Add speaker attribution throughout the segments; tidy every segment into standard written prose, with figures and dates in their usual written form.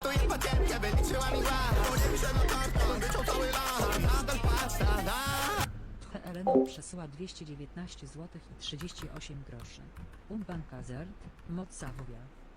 Speaker 1: Elena przesyła 219 zł i 38 groszy. Umbankazert, moc Savoia.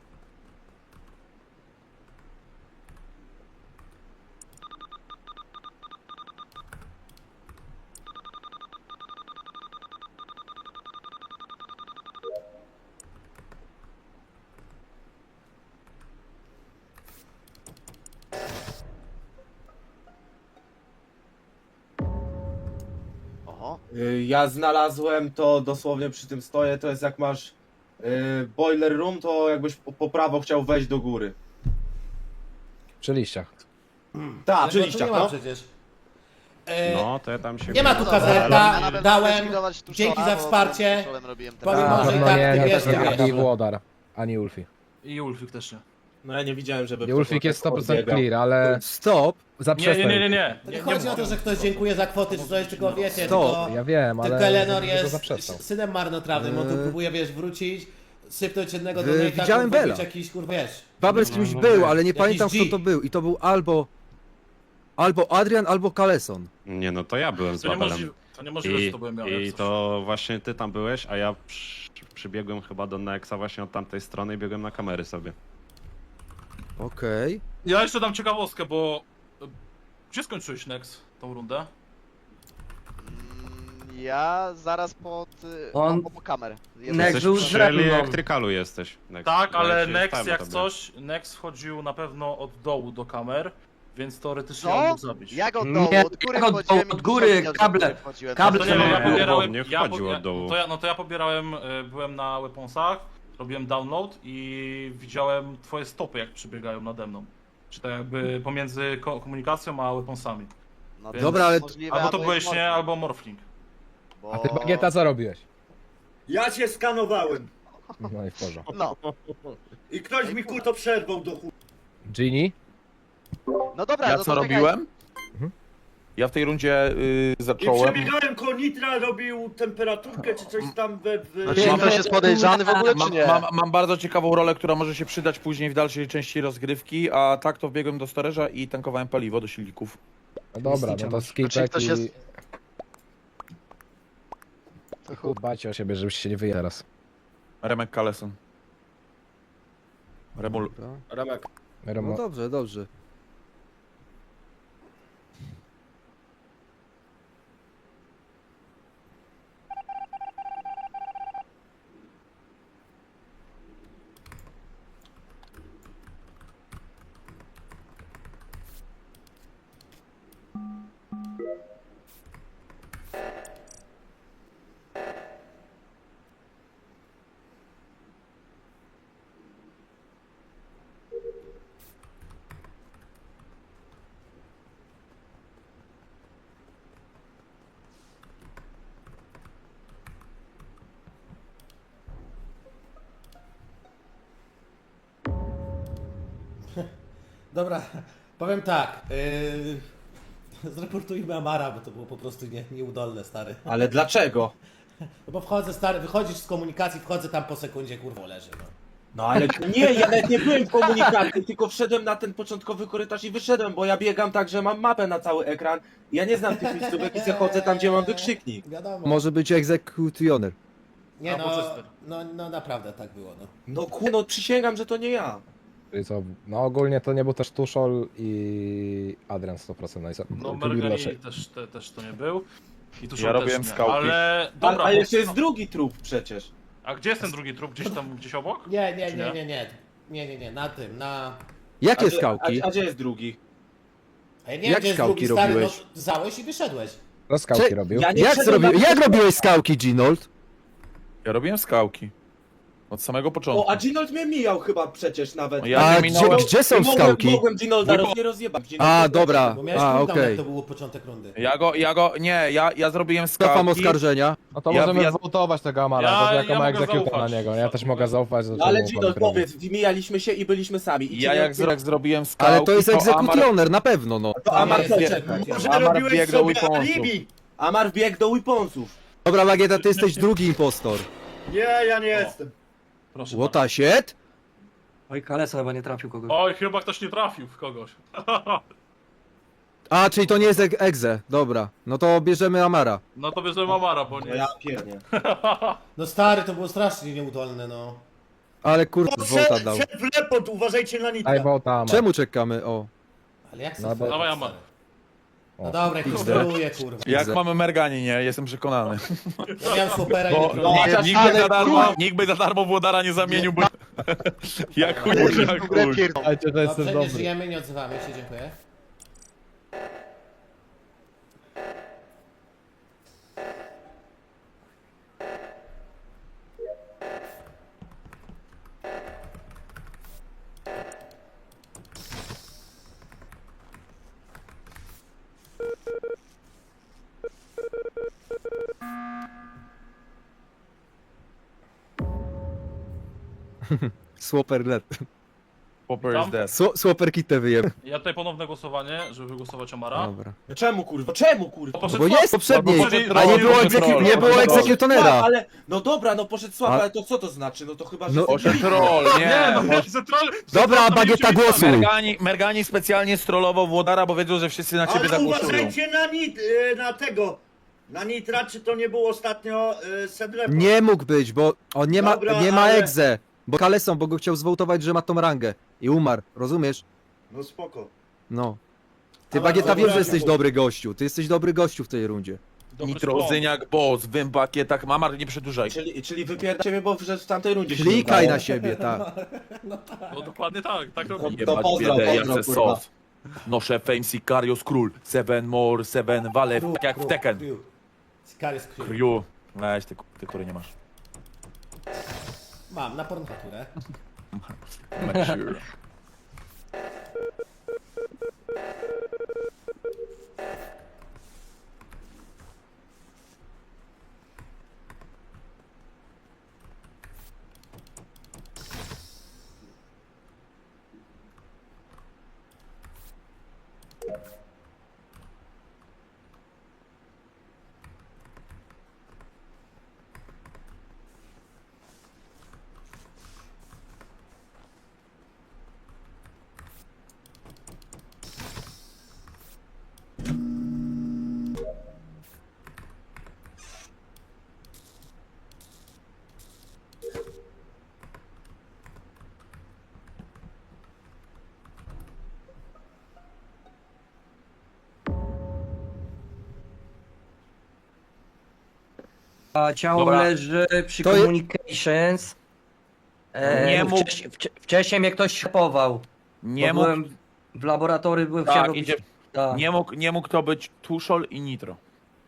Speaker 2: Ja znalazłem to dosłownie przy tym stoję, to jest jak masz boiler room, to jakbyś po prawo chciał wejść do góry.
Speaker 3: Przy liściach.
Speaker 2: Tak, przy liściach,
Speaker 4: nie ma
Speaker 2: no.
Speaker 4: przecież.
Speaker 5: No, to ja tam się...
Speaker 4: Nie ma tu kazerta, dałem, dzięki za wsparcie. Powiem
Speaker 3: Na
Speaker 4: może
Speaker 3: pewno
Speaker 4: tak,
Speaker 3: nie,
Speaker 4: ty
Speaker 3: nie,
Speaker 4: wiesz,
Speaker 3: nie,
Speaker 4: wiesz.
Speaker 3: ani Włodar, ani Ulfi.
Speaker 6: I Ulfik też nie.
Speaker 2: No ja nie widziałem, żeby...
Speaker 3: I Ulfik jest 100%
Speaker 2: odbiegał.
Speaker 3: clear, ale...
Speaker 7: Stop!
Speaker 3: Zaprzestań.
Speaker 6: Nie.
Speaker 4: To nie chodzi o to, że ktoś dziękuję za kwoty, czy coś, tylko wiecie, tylko...
Speaker 3: Ja wiem, ale...
Speaker 4: Tylko Eleanor
Speaker 3: tylko
Speaker 4: jest
Speaker 3: zaprzestał.
Speaker 4: synem marnotrawnym, on tu próbuje, wiesz, wrócić, sypnąć jednego do
Speaker 7: widziałem Bella.
Speaker 4: jakiś, kurwa, wiesz.
Speaker 7: Babel z kimś był, ale nie
Speaker 4: Jakiś
Speaker 7: pamiętam
Speaker 4: G.
Speaker 7: kto to był. I to był albo Adrian, albo Kaleson.
Speaker 5: Nie, no to ja byłem z Babelem.
Speaker 6: To niemożliwe, że to byłem ja.
Speaker 5: I to właśnie ty tam byłeś, a ja przybiegłem chyba do Nexa właśnie od tamtej strony i biegłem na kamery sobie.
Speaker 7: Okej.
Speaker 6: Ja jeszcze dam ciekawostkę, bo... Gdzie skończyłeś Nex tą rundę?
Speaker 8: Ja zaraz pod... po kamer.
Speaker 5: Jesteś przy elektrykalu jesteś, Nex.
Speaker 6: Tak,
Speaker 5: Bo
Speaker 6: ale
Speaker 5: ja się
Speaker 6: Nex
Speaker 5: stałem
Speaker 6: jak
Speaker 5: tobie.
Speaker 6: coś, Nex wchodził na pewno od dołu do kamer, więc teoretycznie
Speaker 8: Co?
Speaker 6: on mógł zabić.
Speaker 8: Jak od dołu?
Speaker 9: Nie,
Speaker 8: Od góry
Speaker 9: jak od
Speaker 8: wchodziłem
Speaker 9: dołu,
Speaker 8: i
Speaker 9: od góry,
Speaker 8: powiedział, że
Speaker 9: kable.
Speaker 8: od góry wchodziłem.
Speaker 9: Kable
Speaker 6: To nie, no, ja
Speaker 5: Nie,
Speaker 6: pobierałem,
Speaker 5: nie wchodził od dołu.
Speaker 6: No to ja pobierałem, byłem na weaponsach, robiłem download i widziałem twoje stopy jak przebiegają nade mną. Czy tak jakby pomiędzy komunikacją a weaponsami.
Speaker 8: No
Speaker 6: Więc-
Speaker 7: Dobra, ale-
Speaker 8: możliwe,
Speaker 6: Albo to
Speaker 8: jest
Speaker 6: byłeś nie,
Speaker 8: morfling,
Speaker 6: albo morphling.
Speaker 8: bo-
Speaker 3: A ty Bagieta co robiłeś?
Speaker 10: Ja cię skanowałem
Speaker 3: No i w porządku.
Speaker 8: No,
Speaker 10: i ktoś mi kurto przerwał do chuj.
Speaker 3: Genie?
Speaker 8: no dobra,
Speaker 9: Ja
Speaker 8: no
Speaker 9: co
Speaker 8: to
Speaker 9: robiłem?
Speaker 3: Mhm.
Speaker 9: Ja w tej rundzie
Speaker 10: I
Speaker 9: zacząłem...
Speaker 10: przebiegałem koło Nitra, robił temperaturkę czy coś tam
Speaker 8: Czy ktoś jest podejrzany w ogóle, czy nie?
Speaker 9: Mam bardzo ciekawą rolę, która może się przydać później w dalszej części rozgrywki, a tak to wbiegłem do storage'a i tankowałem paliwo do silników.
Speaker 3: No dobra, no to skipek
Speaker 8: ktoś
Speaker 3: i...
Speaker 8: jest-
Speaker 3: Dbajcie o siebie, żebyście się nie wyjęli teraz.
Speaker 9: Remek Kaleson. Remul...
Speaker 2: Remek.
Speaker 7: No dobrze, dobrze.
Speaker 4: Dobra, powiem tak, zreportujmy Amara, bo to było po prostu nieudolne, stary.
Speaker 2: Ale dlaczego?
Speaker 4: No bo wchodzę, stary, wychodzisz z komunikacji, wchodzę tam po sekundzie, kurwa, leży, no.
Speaker 2: No ale nie, ja nawet nie byłem w komunikacji, tylko wszedłem na ten początkowy korytarz i wyszedłem, bo ja biegam tak, że mam mapę na cały ekran. Ja nie znam tych miejscówek i se chodzę tam, gdzie mam wykrzyknik.
Speaker 4: Wiadomo.
Speaker 7: Może być executioner.
Speaker 4: Nie
Speaker 6: Albo
Speaker 4: no,
Speaker 6: Chester.
Speaker 4: no naprawdę tak było, no.
Speaker 2: No przysięgam, że to nie ja.
Speaker 3: Czyli co, no ogólnie to nie był też Tuszol i Adrian 100%. No, i co?
Speaker 6: No
Speaker 3: Kubil
Speaker 6: Mergani
Speaker 3: raczej.
Speaker 6: też to nie był. I tu
Speaker 9: Ja robiłem
Speaker 6: też nie.
Speaker 9: skałki.
Speaker 6: Ale dobra,
Speaker 2: Ale jeszcze jest drugi trup przecież.
Speaker 6: a gdzie jest ten drugi trup? Gdzieś obok? Czy
Speaker 4: Nie, na tym, na...
Speaker 7: Jakie
Speaker 2: gdzie-
Speaker 7: skałki?
Speaker 2: A gdzie jest drugi?
Speaker 4: A ja nie
Speaker 7: Jak
Speaker 4: wiem, gdzie jest
Speaker 7: skałki
Speaker 4: drugi, stary,
Speaker 7: robiłeś?
Speaker 4: no załeś i wyszedłeś.
Speaker 3: No skałki
Speaker 7: Cze-
Speaker 3: robił.
Speaker 2: Ja nie
Speaker 7: Jak,
Speaker 2: wszedłem na-
Speaker 7: jak robiłeś skałki, Ginold?
Speaker 9: Ja robiłem skałki. Od samego początku.
Speaker 2: O, a Ginold mnie mijał chyba przecież nawet.
Speaker 9: Ja
Speaker 7: A
Speaker 9: nie
Speaker 7: gdzie,
Speaker 9: minąłem...
Speaker 7: gdzie są skałki?
Speaker 2: Mogłem Ginolda nie rozjebać.
Speaker 7: A, dobra,
Speaker 4: Bo miałeś
Speaker 7: a
Speaker 4: cooldown,
Speaker 7: okej.
Speaker 4: jak to było początek rundy.
Speaker 9: Ja zrobiłem
Speaker 7: Cofam
Speaker 9: skałki.
Speaker 7: oskarżenia.
Speaker 3: No to
Speaker 9: Ja-
Speaker 3: możemy
Speaker 9: ja-
Speaker 3: zwołtować tego Amara,
Speaker 6: Ja-
Speaker 3: to jako
Speaker 6: ja
Speaker 3: ma
Speaker 6: mogę
Speaker 3: egzekutor na
Speaker 6: zaufać.
Speaker 3: niego. Ja też mogę zaufać, że
Speaker 2: No ale
Speaker 3: czemu
Speaker 2: Ginold,
Speaker 3: robi.
Speaker 2: powiedz, mijaliśmy się i byliśmy sami. I
Speaker 9: Ja
Speaker 2: cię
Speaker 9: jak
Speaker 2: nie-
Speaker 9: zrobiłem skałki,
Speaker 7: Ale to jest
Speaker 9: Amar...
Speaker 7: egzekutioner, na pewno, no.
Speaker 2: To Amar
Speaker 4: Nie,
Speaker 2: co
Speaker 4: nie,
Speaker 2: czekaj.
Speaker 10: Może
Speaker 9: Amar
Speaker 10: robiłeś
Speaker 9: biegł do
Speaker 10: sobie
Speaker 9: weaponsów.
Speaker 10: alibi.
Speaker 2: Amar wbiegł do weaponsów.
Speaker 7: Dobra, Bagieta, ty jesteś drugi impostor.
Speaker 10: Nie, ja nie jestem.
Speaker 6: Proszę
Speaker 7: What a shit? Oj, Kalesa chyba nie trafił kogoś.
Speaker 6: Oj, chyba ktoś nie trafił w kogoś.
Speaker 7: A, czyli to nie jest Egze. Dobra, no to bierzemy Amara.
Speaker 6: No to bierzemy Amara, bo
Speaker 2: No
Speaker 6: nie.
Speaker 2: ja pierdnie.
Speaker 4: No stary, to było strasznie nieudolne, no.
Speaker 7: Ale kurde, Volta dał.
Speaker 10: Szef Lepot, uważajcie na nitra.
Speaker 3: Daj Volta, Amar.
Speaker 7: Czemu czekamy? O.
Speaker 4: Ale jak
Speaker 3: No
Speaker 4: sobie
Speaker 3: bo-
Speaker 6: Dawaj, Amar.
Speaker 4: No dobra, jak kontroluję, kurwa.
Speaker 9: Jak mamy Mergani, nie? Jestem przekonany.
Speaker 4: Ja miałem Swopera i
Speaker 9: Bo
Speaker 4: nie
Speaker 2: no,
Speaker 4: kontroluję.
Speaker 9: nikt by za darmo Włodara nie zamienił, bo... jak chuj, jak chuj.
Speaker 3: Słuchajcie, że jestem
Speaker 4: Dobrze, nie
Speaker 3: dobry.
Speaker 4: żyjemy, nie odzywamy się, dziękuję.
Speaker 7: Swapper let.
Speaker 9: Popper is dead.
Speaker 7: Swapper kitę wyjem.
Speaker 6: Ja tutaj ponowne głosowanie, żeby wygłosować Amara.
Speaker 7: Dobra.
Speaker 2: Czemu kurwa? Czemu kurwa?
Speaker 6: Poszedł
Speaker 7: Bo
Speaker 6: słabo.
Speaker 7: jest poprzedniej,
Speaker 9: Poszedł
Speaker 7: a nie
Speaker 9: troll,
Speaker 7: było,
Speaker 9: poszedł troll.
Speaker 7: nie było egzekutonera.
Speaker 2: Ale, no dobra, no poszedł słabo,
Speaker 7: A-
Speaker 2: ale to co to znaczy? No to chyba, że...
Speaker 7: No-
Speaker 9: Poszedł troll,
Speaker 6: Nie, no
Speaker 9: nie.
Speaker 6: nie, Zetral...
Speaker 7: Dobra, Bagieta głosuj.
Speaker 9: Mergani specjalnie strollował Włodara, bo wiedział, że wszyscy na ciebie
Speaker 10: Ale
Speaker 9: zagłosują.
Speaker 10: uważajcie na tego. Na nitra, czy to nie był ostatnio Szef Lepot?
Speaker 7: Nie mógł być, bo on nie ma,
Speaker 10: Dobra,
Speaker 7: nie ma
Speaker 10: ale-
Speaker 7: egze. Bo Kalesą, bo go chciał zwołtować, że ma tą rangę. I umarł, rozumiesz?
Speaker 10: No spoko.
Speaker 7: No. Ty
Speaker 10: Ale
Speaker 7: Bagieta
Speaker 10: dobra,
Speaker 7: wiesz, że jesteś
Speaker 10: nie
Speaker 7: dobry gościu. Ty jesteś dobry gościu w tej rundzie.
Speaker 6: Dobry
Speaker 9: Nitro,
Speaker 6: skłon.
Speaker 9: Zyniak, Boss, Wymbakie, tak Mamar, nie przedłużaj.
Speaker 2: Czyli wypierdam ciebie, bo że w tamtej rundzie się
Speaker 7: Klikaj
Speaker 2: udało.
Speaker 7: na siebie, tak.
Speaker 6: No dokładnie tak, tak robi.
Speaker 2: To pozdro, pozdro, kurwa.
Speaker 9: Noszę Fame Sicarios Król. 7 more, 7 wale,
Speaker 4: Kru,
Speaker 9: tak jak w
Speaker 4: kru,
Speaker 9: Tekken.
Speaker 4: kru. Sikaris kru.
Speaker 9: Kryu. Weź, ty kury nie masz.
Speaker 4: Mam, na pornofaturę.
Speaker 9: Mature.
Speaker 11: A ciało
Speaker 9: Dobra.
Speaker 11: leży przy
Speaker 7: To je-
Speaker 11: communications.
Speaker 9: Nie mógł-
Speaker 11: Wcześniej mnie ktoś ślepował.
Speaker 9: Nie
Speaker 11: bo
Speaker 9: mógł,
Speaker 11: byłem w laboratorium, byłem chciałem
Speaker 9: tak,
Speaker 11: robić...
Speaker 9: idzie,
Speaker 11: Tak.
Speaker 9: nie mógł to być Tuszol i Nitro.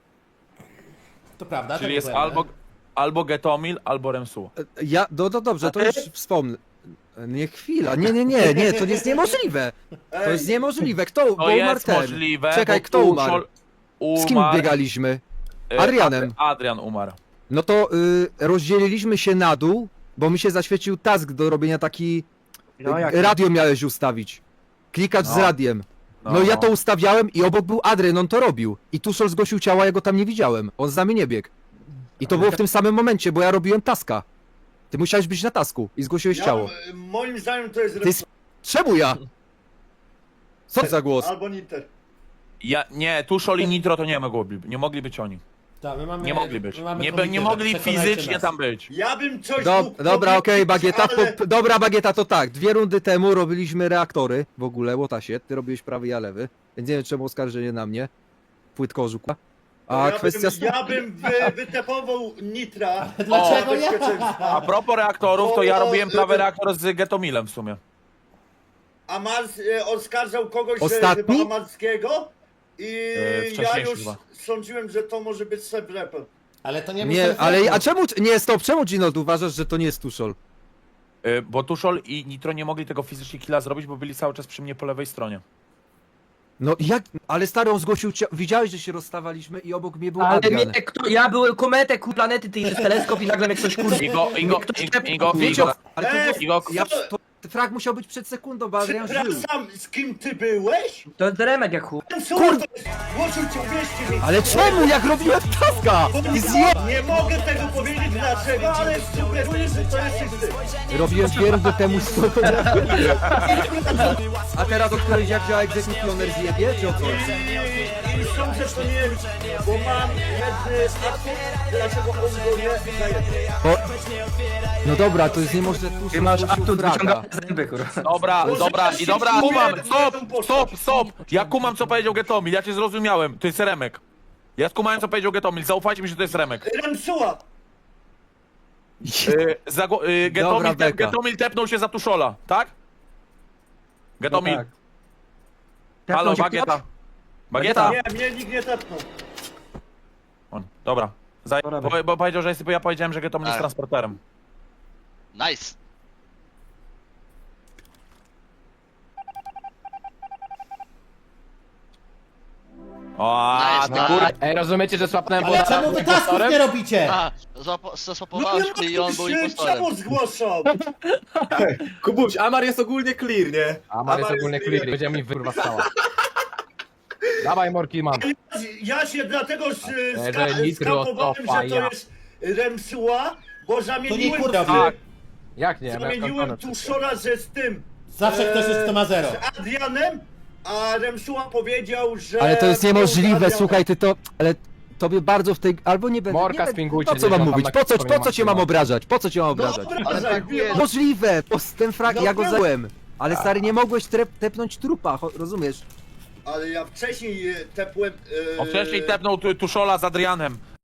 Speaker 4: To prawda,
Speaker 9: Czyli
Speaker 4: to
Speaker 9: jest
Speaker 4: niepojemne.
Speaker 9: albo Getomil, albo Remsu.
Speaker 7: Ja, no dobrze, to już wspomnę. Nie, chwila, nie, to jest niemożliwe. To jest niemożliwe. Kto, bo
Speaker 9: To
Speaker 7: umarł
Speaker 9: jest
Speaker 7: ten.
Speaker 9: możliwe,
Speaker 7: Czekaj,
Speaker 9: bo
Speaker 7: kto umarł?
Speaker 9: Tuszol
Speaker 7: Z kim biegaliśmy? Adrianem.
Speaker 9: Adrian umarł.
Speaker 7: No to rozdzieliliśmy się na dół, bo mi się zaświecił task do robienia taki...
Speaker 11: No, jak...
Speaker 7: Radio miałeś ustawić. Klikacz z
Speaker 9: No.
Speaker 7: radiem. No ja to ustawiałem i obok był Adrian, on to robił. I Tuszol zgłosił ciała, ja go tam nie widziałem. On z nami nie biegł. I to było w tym samym momencie, bo ja robiłem taska. Ty musiałeś być na tasku i zgłosiłeś ciało.
Speaker 10: Moim zdaniem to jest
Speaker 7: Ty Czemu ja? Co za głos?
Speaker 10: albo Niter.
Speaker 9: Nie, Tuszol i Nitro to nie mogli być oni.
Speaker 4: Tak, my mamy,
Speaker 9: Nie mogli być.
Speaker 4: my mamy
Speaker 9: Nie
Speaker 4: komitet,
Speaker 9: mogli
Speaker 4: przekonajcie
Speaker 9: fizycznie
Speaker 4: nas.
Speaker 9: tam być.
Speaker 10: Ja bym coś
Speaker 7: Do,
Speaker 10: mógł
Speaker 7: dobra, okej,
Speaker 10: powiedzieć,
Speaker 7: Bagieta,
Speaker 10: ale...
Speaker 7: dobra, Bagieta, to tak. 2 rundy temu robiliśmy reaktory w ogóle, Łotasie. Ty robiłeś prawy, ja lewy. Więc nie wiem, czemu oskarżenie na mnie. Płytkorzu. A kwestia...
Speaker 10: Ja bym wytepował Nitra.
Speaker 4: Dlaczego
Speaker 10: O,
Speaker 4: ja?
Speaker 10: bezpieczeństwa.
Speaker 9: A propos reaktorów, to ja
Speaker 10: O,
Speaker 9: robiłem prawy reaktor z Getomilem w sumie.
Speaker 10: A Mars oskarżał kogoś
Speaker 7: Ostatni?
Speaker 10: chyba Amarskiego i ja
Speaker 9: wcześniejszy
Speaker 10: już
Speaker 9: chyba.
Speaker 10: sądziłem, że to może być Szef Lepot.
Speaker 4: Ale to nie był
Speaker 7: Nie,
Speaker 4: self-report.
Speaker 7: ale a czemu... Nie, stop, czemu Gino uważasz, że to nie jest Tuszol?
Speaker 9: Bo Tuszol i Nitro nie mogli tego fizycznie killa zrobić, bo byli cały czas przy mnie po lewej stronie.
Speaker 7: No jak... Ale stary, on zgłosił ciało... Widziałeś, że się rozstawaliśmy i obok mnie był
Speaker 11: Ale
Speaker 7: Adrian.
Speaker 11: mnie, ja byłem kometę planety, ty przez teleskop i nagle mnie ktoś kurwa...
Speaker 9: Igo,
Speaker 7: Wiecie, ale to było...
Speaker 9: Igo,
Speaker 7: Ja, to frag musiał być przed sekundą, bo Adrian żył.
Speaker 10: Przepraszam, z kim ty byłeś?
Speaker 11: To jest Remek jak chuj.
Speaker 10: Ten słuchaj, głosił cię, wieście mi.
Speaker 7: Ale czemu, jak robiłem taska? I
Speaker 10: Nie mogę tego powiedzieć dlaczego, ale sugeruję, że to jesteś ty.
Speaker 7: Robiłem pierdol temu stopu. A teraz o którejś jak działa egzekutioner zjebie, czy o co?
Speaker 10: I sądzę, że to nie, bo mam jedny atut, dlaczego on go nie zajebie.
Speaker 7: No dobra, to jest niemożliwe.
Speaker 11: Ty masz atut wyciągane zęby, kurwa.
Speaker 9: Dobra, i dobra, kumam, stop! Ja kumam, co powiedział Getomil, ja cię zrozumiałem, to jest Remek. Ja skumałem, co powiedział Getomil, zaufajcie mi, że to jest Remek.
Speaker 10: Remsuła.
Speaker 7: Dobra, beka.
Speaker 9: Getomil tepnął się za Tuszola, tak? Getomil,
Speaker 11: tak.
Speaker 9: halo,
Speaker 11: Tepnął się
Speaker 9: Bagieta. Bagieta?
Speaker 10: Nie, mnie nikt nie tepnął.
Speaker 9: Dobra, bo powiedział, że jest, bo ja powiedziałem, że Getomil jest
Speaker 8: Tak.
Speaker 9: transporterem.
Speaker 8: Nice.
Speaker 9: O,
Speaker 8: Nice,
Speaker 9: ty
Speaker 8: nice.
Speaker 9: kur...
Speaker 3: Ej, rozumiecie, że słapnąłem
Speaker 4: Ale czemu wy tasków nie robicie?
Speaker 8: A, zasłapowałeś mnie i on był impostorem.
Speaker 10: Czemu zgłoszą?
Speaker 2: Kubuś, Amar jest ogólnie clear, nie?
Speaker 3: Amar jest ogólnie clear, będzie mi kurwa stała. Dawaj Morki, mam.
Speaker 10: Ja się dlatego
Speaker 3: że nitro
Speaker 10: skapowałem,
Speaker 3: stopa,
Speaker 10: że to
Speaker 3: ja.
Speaker 10: jest Remsuła, bo
Speaker 4: To nie
Speaker 10: zamieniłem,
Speaker 4: kurwa
Speaker 9: Tak.
Speaker 3: Jak nie?
Speaker 10: zamieniłem Tuszora z tym,
Speaker 4: Zawsze ktoś jest kto ma zero.
Speaker 10: z Adrianem, a Remsuła powiedział, że...
Speaker 7: Ale to jest niemożliwe,
Speaker 10: Adrianem.
Speaker 7: słuchaj, ty to... Ale tobie bardzo w tej... Albo nie będę...
Speaker 3: Morka
Speaker 7: nie
Speaker 3: spingujcie,
Speaker 7: Po co mam
Speaker 3: gdzieś tam
Speaker 7: mówić?
Speaker 3: na
Speaker 7: Po
Speaker 3: historii
Speaker 7: co cię mam
Speaker 3: mam.
Speaker 7: obrażać? Po co cię mam obrażać?
Speaker 10: Dobra,
Speaker 8: Ale tak
Speaker 10: wiem.
Speaker 7: Możliwe! Ten frag,
Speaker 10: No
Speaker 7: ja go
Speaker 10: byłem.
Speaker 7: zająłem. Ale stary, nie mogłeś tepnąć trupa, rozumiesz?
Speaker 10: Ale ja wcześniej tepłem...
Speaker 9: On wcześniej tepnął Tuszola z Adrianem.